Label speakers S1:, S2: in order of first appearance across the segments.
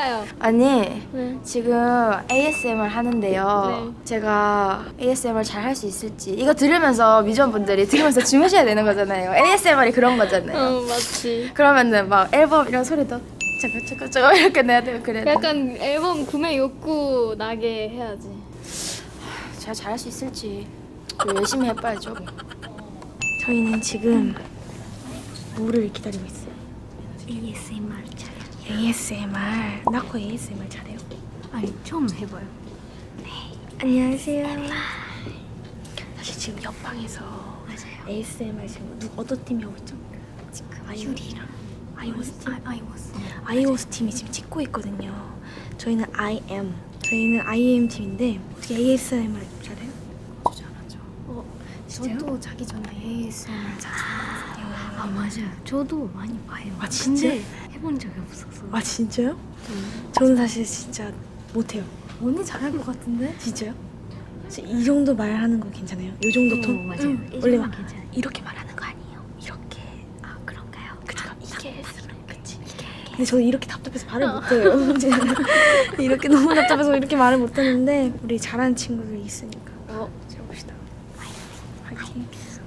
S1: 해봐요.
S2: 아니
S1: 네.
S2: 지금 ASMR 하는데요.
S1: 네.
S2: 제가 ASMR 잘 할 수 있을지 이거 들으면서 뮤지션분들이 들으면서 주무셔야 되는 거잖아요. ASMR이 그런 거잖아요.
S1: 맞지.
S2: 그러면은 막 앨범 이런 소리도 저거 이렇게 내야 되고 그래야 돼.
S1: 약간 앨범 구매 욕구 나게 해야지.
S2: 제가 잘할 수 있을지 열심히 해봐야죠. 저희는 지금 뭐를 기다리고 있어요?
S3: ASMR 잘해요.
S2: ASMR. 나코 ASMR 잘해요?
S3: 아니 처음 해봐요.
S2: 안녕하세요. 사실 지금 옆방에서
S3: 맞아요.
S2: ASMR 지금 어떤 팀이 하고 있죠?
S3: 지금 유리랑
S2: 아이오스 팀?
S3: 아이오스.
S2: 아이오스 팀이 지금 찍고 있거든요. 저희는 IM 팀인데 어떻게 ASMR 잘해요?
S3: 저 잘하죠.
S2: 진짜요?
S3: 저도 자기 전에 ASMR 자주 하거든요. 아 맞아요. 저도 많이 봐요.
S2: 아, 진짜?
S3: 근데 해본 적이 없어서.
S2: 아 진짜요? 저는 사실 진짜 못해요.
S3: 언니 잘할 것 같은데?
S2: 진짜요? 이 정도 말하는 거 괜찮아요? 요 정도 톤?
S3: 맞아요. 이
S2: 원래
S3: 정도는
S2: 막
S3: 괜찮아요.
S2: 이렇게 말하는 거 아니에요? 이렇게.
S3: 아 그런가요?
S2: 그쵸? 이게
S3: 그치.
S2: 근데 저는 이렇게 답답해서 말을 못해요. 이렇게 너무 답답해서 이렇게 말을 못하는데 우리 잘하는 친구들이 있으니까 들어봅시다. 화이팅.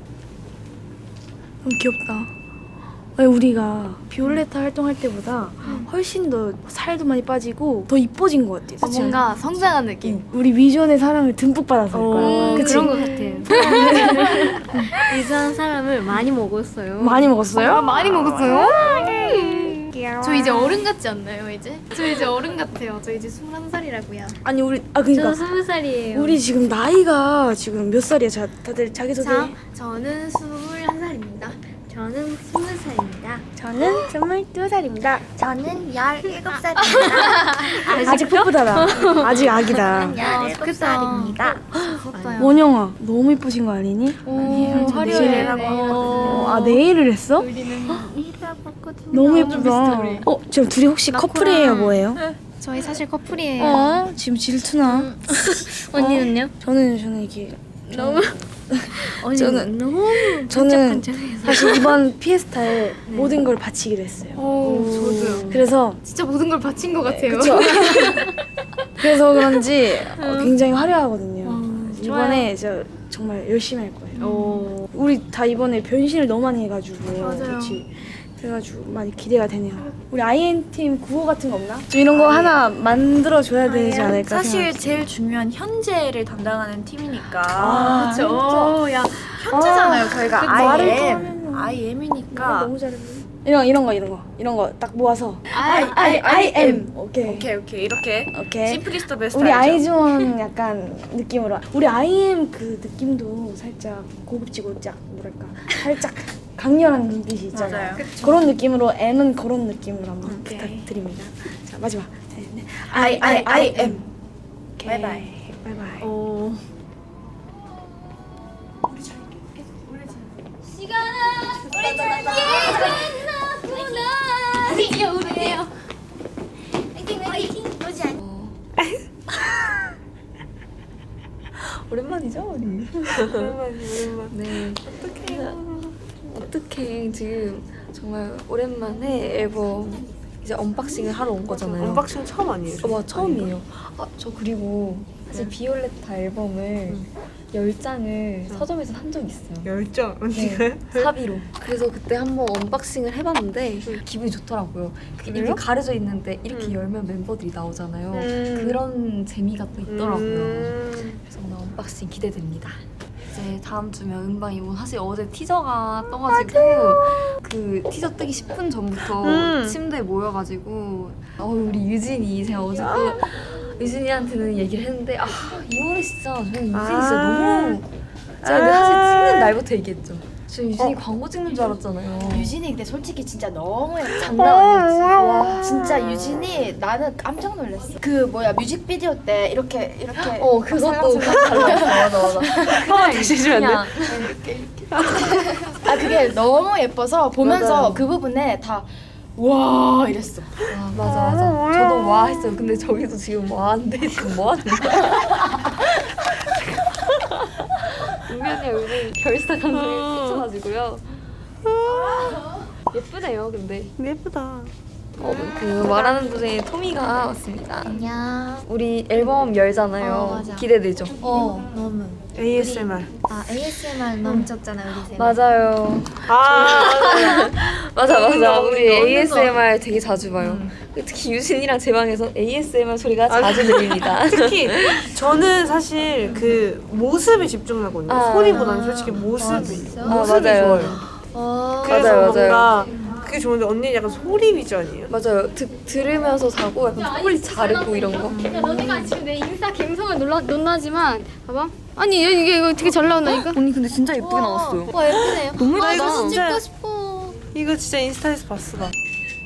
S2: 너무 귀엽다. 아니, 우리가 비올레타 활동할 때보다 훨씬 더 살도 많이 빠지고 더 이뻐진 것 같아. 그치?
S1: 뭔가 성장한 느낌.
S2: 우리 위전의 사랑을 듬뿍 받았을 거야. 그치?
S3: 그런 것 같아요. 이상한 사람을 많이 먹었어요.
S2: 많이 먹었어요?
S1: 많이 먹었어요? 저 이제 어른 같지 않나요 이제? 저 이제 어른 같아요. 저 이제 21살이라고요.
S2: 아니 우리
S3: 저
S2: 그러니까
S3: 20살이에요.
S2: 우리 지금 나이가 지금 몇 살이야? 다들 자기소개.
S1: 저는 21살입니다.
S3: 저는 20살입니다.
S2: 저는 22살입니다.
S3: 저는 17살입니다.
S2: 아직 풋풋하다. 아직 아기다.
S3: 17살입니다.
S2: 원영아, 너무 이쁘신 거 아니니?
S1: 오,
S2: 저
S1: 화려해.
S2: 내일이라고
S1: 하거든요.
S2: 아, 네일을 했어?
S1: 우리는
S2: 너무
S1: 완전
S2: 예쁘다.
S1: 비슷해, 우리.
S2: 지금 둘이 혹시 커플이에요, 뭐예요?
S1: 저희 사실 커플이에요.
S2: 지금 질투나?
S3: 언니는요?
S2: 저는 이게
S1: 너무
S3: 언니는 너무
S2: 저는
S3: 반짝반짝해서.
S2: 사실 이번 피에스타에 모든 걸 바치기로 했어요.
S1: 저도요.
S2: 그래서
S1: 진짜 모든 걸 바친 것 같아요.
S2: 그쵸? 그래서 그런지 굉장히 화려하거든요. 이번에 저 정말 열심히 할 거예요. 우리 다 이번에 변신을 너무 많이 해가지고
S1: 맞아요.
S2: 그치? 그래가지고 많이 기대가 되네요. 우리 IN팀 구호 같은 거 없나? 좀 이런 거 하나 만들어줘야 되지 않을까
S4: 사실
S2: 생각해요.
S4: 제일 중요한 현재를 담당하는 팀이니까
S1: 그렇죠. 야,
S4: 현재잖아요. 저희가
S2: 말을 또
S4: IM
S2: 하면은
S4: IM이니까
S2: 너무 잘했네. 이런 거 딱 모아서 IM 오케이
S4: 오케이 이렇게
S2: 오케이.
S4: 심플리스트 베스트
S2: 우리
S4: 알죠?
S2: 아이즈원 약간 느낌으로 우리 IM 그 느낌도 살짝 고급지고 짝 뭐랄까 살짝 강렬한 눈빛이 있잖아요.
S4: 맞아요.
S2: 그런 느낌으로 M은 그런 느낌으로 한번 부탁드립니다. 자 마지막 네.
S4: IM
S2: 오케이.
S4: 바이바이.
S2: 바이바이.
S5: 오랜만이죠 우리. 오랜만. 네. 어떡해 지금 정말 오랜만에 앨범 이제 언박싱을 하러 온 거잖아요.
S6: 언박싱 처음 아니에요?
S5: 와 처음이에요. 저 그리고 사실 비올레타 앨범을 10장을 서점에서 산 적이 있어요.
S6: 열정
S5: 네, 사비로. 그래서 그때 한번 언박싱을 해봤는데 기분이 좋더라고요. 이렇게 가려져 있는데 이렇게 열면 멤버들이 나오잖아요. 그런 재미가 또 있더라고요. 그래서 오늘 언박싱 기대됩니다. 이제 다음 주면 음방이고 사실 어제 티저가 떠가지고 그 티저 뜨기 10분 전부터 침대에 모여가지고 우리 유진이 제가 어제 또 유진이한테는 얘기를 했는데 이 노래 진짜 저는 유진이 진짜 너무 제가 근데 사실 찍는 날부터 얘기했죠. 저 유진이 광고 찍는 줄 알았잖아요.
S2: 유진이 근데 솔직히 진짜 너무
S5: 장난 아니었지.
S2: 와 진짜 유진이 나는 깜짝 놀랐어. 그 뭐야 뮤직비디오 때 이렇게
S5: 그것도 맞아. 그냥
S6: 다시 해주면 안
S2: 그게 너무 예뻐서 보면서
S5: 맞아요.
S2: 그 부분에 다 와 이랬어.
S5: 맞아. 저도 와 했어요. 근데 저기도 지금 와인데 지금 뭐 하는 거야? 은면이 요즘 결사 감성에 꽂혀가지고요. 예쁘네요, 근데.
S6: 예쁘다.
S5: 그 말하는 도중에 토미가 왔습니다.
S3: 안녕.
S5: 우리 앨범 열잖아요.
S3: 맞아.
S5: 기대되죠?
S3: 너무.
S4: ASMR.
S3: ASMR 너무 적잖아 우리 세.
S5: 맞아요.
S4: 아,
S5: 맞아. 우리
S4: 먹는 거.
S5: ASMR 되게 자주 봐요. 특히 유진이랑 제 방에서 ASMR 소리가 자주 들립니다.
S4: 특히 저는 사실 그 모습에 집중하거든요.
S5: 아.
S4: 소리보다는 솔직히 모습이
S5: 맞아요.
S4: 좋아요. 그래서
S5: 맞아요.
S4: 뭔가 그게 좋은데 언니는 약간 소리 위주아니에요?
S5: 맞아요. 들으면서 자고 약간 초콜릿 자르고 이런 거.
S1: 야, 너네가 지금 내 인스타 감성을 놀라지만 봐봐. 아니 이거 되게 잘 나온다니까.
S5: 언니 근데 진짜 예쁘게 나왔어요.
S1: 와 예쁘네요.
S5: 너무
S4: 나
S5: 예쁘다.
S4: 이거 진짜
S1: 찍고 싶어.
S4: 이거 진짜 인스타에서 봤어 나.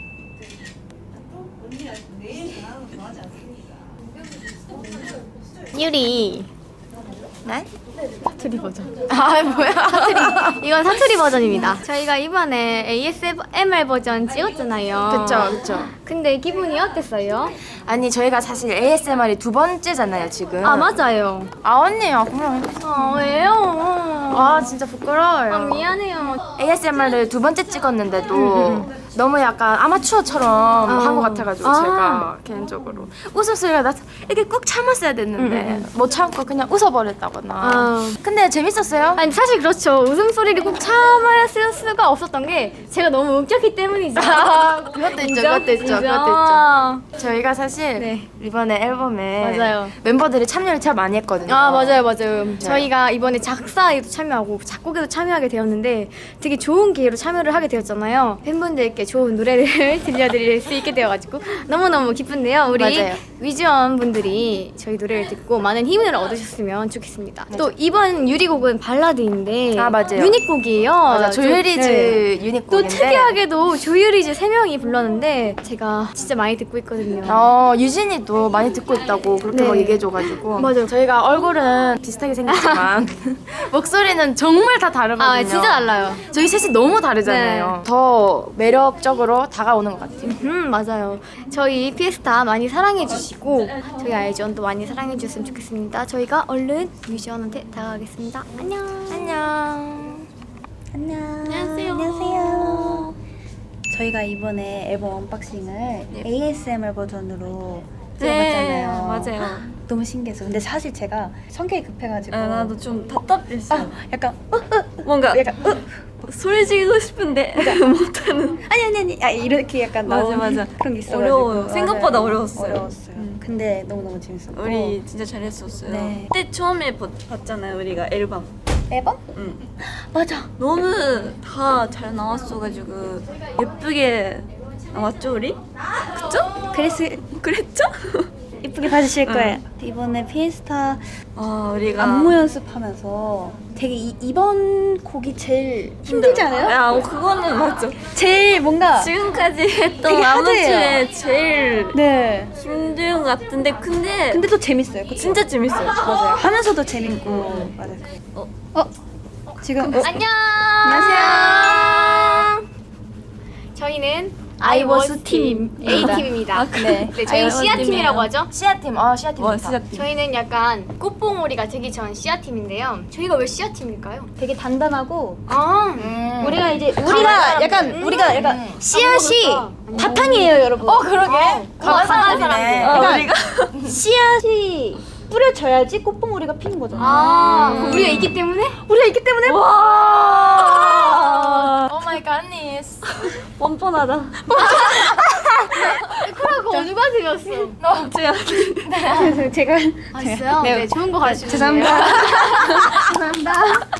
S1: 유리.
S3: 네?
S1: 사투리 버전. 아 뭐야? 사투리. 이건 사투리 버전입니다. 저희가 이번에 ASMR 버전 찍었잖아요.
S2: 그쵸.
S1: 근데 기분이 어땠어요?
S2: 아니 저희가 사실 ASMR이 두 번째잖아요 지금.
S1: 아 맞아요.
S2: 아 언니요 그럼.
S1: 왜요?
S2: 아 진짜 부끄러워요.
S1: 미안해요.
S2: ASMR을 두 번째 찍었는데도 너무 약간 아마추어처럼 한 것 같아가지고 제가 개인적으로 웃음소리가 나서 이렇게 꾹 참았어야 됐는데 못 참고 그냥 웃어버렸다거나. 근데 재밌었어요?
S1: 아니 사실 그렇죠. 웃음소리를 꼭 참아야 쓸 수가 없었던 게 제가 너무 웃겼기 때문이죠.
S2: 그것도 있죠.
S1: 인정?
S2: 그것도 있죠.
S1: 인정.
S2: 그것도 있죠. 저희가 사실
S1: 네.
S2: 이번에 앨범에
S1: 맞아요.
S2: 멤버들이 참여를 참 많이 했거든요.
S1: 아 맞아요. 저희가 이번에 작사에도 참여하고 작곡에도 참여하게 되었는데 되게 좋은 기회로 참여를 하게 되었잖아요. 팬분들께 좋은 노래를 들려드릴 수 있게 되어가지고 너무너무 기쁜데요. 우리
S2: 맞아요.
S1: 위즈원 분들이 저희 노래를 듣고 많은 힘을 얻으셨으면 좋겠습니다. 또 이번 유리곡은 발라드인데
S2: 아, 맞아요.
S1: 유닛곡이에요.
S2: 맞아, 조유리즈
S1: 네.
S2: 유닛곡인데
S1: 또 특이하게도 조유리즈 3명이 불렀는데 제가 진짜 많이 듣고 있거든요.
S2: 유진이도 많이 듣고 있다고 그렇게
S1: 네.
S2: 막 얘기해줘가지고
S1: 맞아요.
S2: 저희가 얼굴은 비슷하게 생겼지만 목소리는 정말 다 다르거든요.
S1: 아 진짜 달라요.
S2: 저희 셋이 너무 다르잖아요. 더 매력적으로 다가오는 것 같아요.
S1: 맞아요. 저희 피에스타 많이 사랑해 주시고 저희 아이즈원도 많이 사랑해 주셨으면 좋겠습니다. 저희가 얼른 뮤지원한테 다가가겠습니다. 안녕. 안녕하세요.
S6: 저희가 이번에 앨범 언박싱을 ASMR 버전으로 찍어봤잖아요.
S5: 맞아요.
S6: 너무 신기했어요. 근데 사실 제가 성격이 급해가지고
S5: 나도 좀 답답했어.
S6: 약간
S5: 뭔가
S6: 약간
S5: 소리 지르고 싶은데 못하는.
S6: 아니 이렇게 약간 나오는
S5: 맞아.
S6: 그런 게 있어가지고
S5: 어려워요. 생각보다
S6: 맞아요.
S5: 어려웠어요.
S6: 어려웠어요. 근데 너무너무 재밌었고
S5: 우리 진짜 잘했었어요.
S6: 네.
S5: 그때 처음에 봤잖아요, 우리가 앨범.
S6: 앨범?
S5: 응.
S6: 맞아.
S5: 너무 다 잘 나왔어가지고 예쁘게 나왔죠, 우리? 그랬죠?
S6: 이쁘게 봐주실 거예요. 이번에 피에스타
S5: 우리가
S6: 안무 연습하면서 되게 이번 곡이 제일 힘들지 않아요?
S5: 야, 그거는 맞죠.
S6: 제일 뭔가
S5: 지금까지 했던
S6: 되게
S5: 안무
S6: 하드해요.
S5: 중에 제일
S6: 네.
S5: 힘든 것 같은데 근데
S6: 근데 또 재밌어요. 그쵸?
S5: 진짜 재밌어요.
S6: 맞아요. 하면서도 재밌고 맞아요. 지금
S1: 안녕. 안녕하세요. 저희는 아이워스 팀 A팀입니다.
S2: 네.
S1: 네, 저희 시아 팀이라고 하죠.
S2: 시아팀, 시아팀.
S1: 저희는 약간 꽃봉오리가 되기 전 시아 팀인데요. 저희가 왜 시아 팀일까요?
S6: 되게 단단하고
S1: 우리가
S6: 우리가 약간 씨앗이 바탕이에요, 여러분.
S2: 그러게.
S1: 강한 사람들.
S6: 그러니까 씨앗이 뿌려져야지 꽃봉오리가 피는 거잖아.
S1: 그럼 우리가 있기 때문에?
S6: 우리가 있기 때문에
S2: 오 마이 갓니스.
S5: 뻔뻔하다.
S1: 그거 누가 들었어?
S6: 제가
S1: 있어요? 네, 좋은 거 가르쳐 주세요.
S6: 죄송합니다.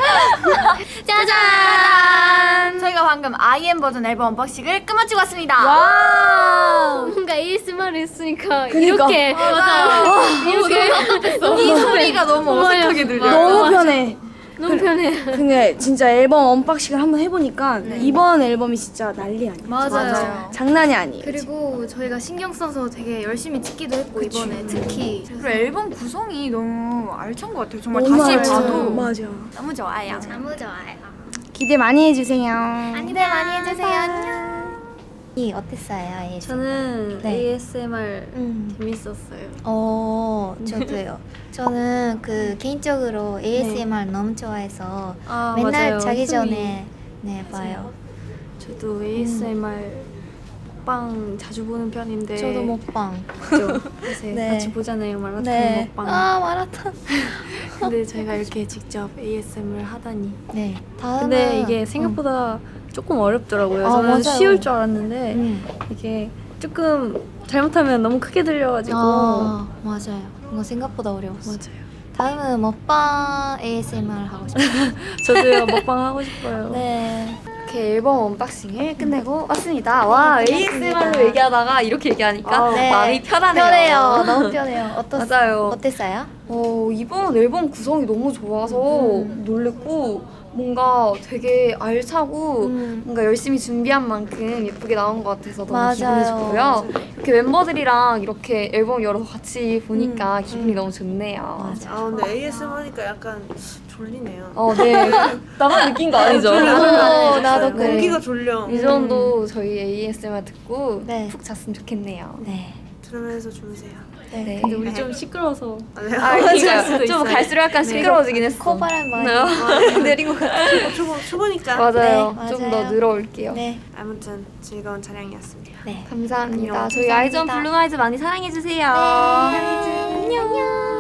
S1: 짜잔!
S2: 저희가 방금 IM 버전 앨범 언박싱을 끝마치고 왔습니다.
S1: 뭔가 ASMR을 했으니까 이렇게 맞아요. 이렇게
S2: 이 소리가 너무 어색하게 들려요. 너무 편해.
S1: 너무 편해.
S2: 근데 진짜 앨범 언박싱을 한번 해보니까 이번 앨범이 진짜 난리 아니에요.
S1: 맞아요.
S2: 장난이 아니에요.
S1: 그리고 저희가 신경 써서 되게 열심히 찍기도 했고 이번에 특히
S3: 그리고 앨범 구성이 너무 알찬 것 같아요. 정말
S2: 너무
S3: 다시
S2: 알죠.
S3: 봐도
S2: 맞아.
S3: 너무 좋아요.
S1: 너무 좋아요.
S2: 기대 많이 해주세요.
S1: 기대 많이 해주세요. 안녕.
S6: 이 어땠어요, ASMR?
S5: 저는
S6: 네.
S5: ASMR 재밌었어요.
S6: 저도요. 저는 그 개인적으로 ASMR 너무 좋아해서
S5: 아,
S6: 맨날
S5: 맞아요.
S6: 자기
S5: 숨이.
S6: 전에 봐요.
S5: 저도 ASMR
S3: 먹방 자주 보는 편인데
S1: 저도 먹방.
S3: 그죠? 요새
S6: 네.
S3: 같이 보잖아요 마라톤
S6: 네.
S3: 먹방.
S1: 아 마라톤.
S3: 근데 저희가 이렇게 직접 ASMR 하다니.
S1: 네. 다음은
S3: 근데 이게 생각보다 조금 어렵더라고요.
S1: 아,
S3: 저는
S1: 맞아요.
S3: 쉬울 줄 알았는데
S1: 음.
S3: 이게 조금 잘못하면 너무 크게 들려가지고.
S1: 아 맞아요. 뭔가 생각보다 어려웠어.
S3: 맞아요.
S1: 다음은 먹방 ASMR 하고 싶어요.
S3: 저도요 먹방 하고 싶어요.
S1: 네.
S5: 이렇게 앨범 언박싱을 끝내고 왔습니다. 와 ASMR로 얘기하다가 이렇게 얘기하니까
S1: 네.
S5: 마음이 편하네요.
S1: 편해요. 너무 편해요.
S5: 맞아요.
S1: 어땠어요?
S5: 이번 앨범 구성이 너무 좋아서 놀랬고 뭔가 되게 알차고 뭔가 열심히 준비한 만큼 예쁘게 나온 것 같아서 너무
S1: 맞아요.
S5: 기분이 좋고요. 이렇게 멤버들이랑 이렇게 앨범 열어서 같이 보니까 기분이 너무 좋네요.
S4: 아 근데 ASMR 하니까 약간 졸리네요.
S5: 네. 나만 느낀 거 아니죠?
S1: 나도
S5: 그래.
S4: 공기가 졸려.
S5: 이 정도 저희 ASMR 듣고
S1: 네.
S5: 푹 잤으면 좋겠네요.
S1: 네.
S4: 들으면서 주무세요.
S5: 네.
S3: 근데 우리 좀 시끄러워서.
S5: 그러니까 좀 갈수록 약간 시끄러워지긴 했어.
S1: 코바람 많이
S5: 내린 것 같아.
S4: 초보니까.
S5: 맞아요.
S1: 네,
S5: 좀
S1: 맞아요.
S5: 더 늘어올게요.
S1: 네.
S4: 아무튼 즐거운 촬영이었습니다.
S1: 네.
S5: 감사합니다.
S4: 안녕.
S5: 저희 아이즈원 블루아이즈 많이 사랑해주세요.
S1: 안녕.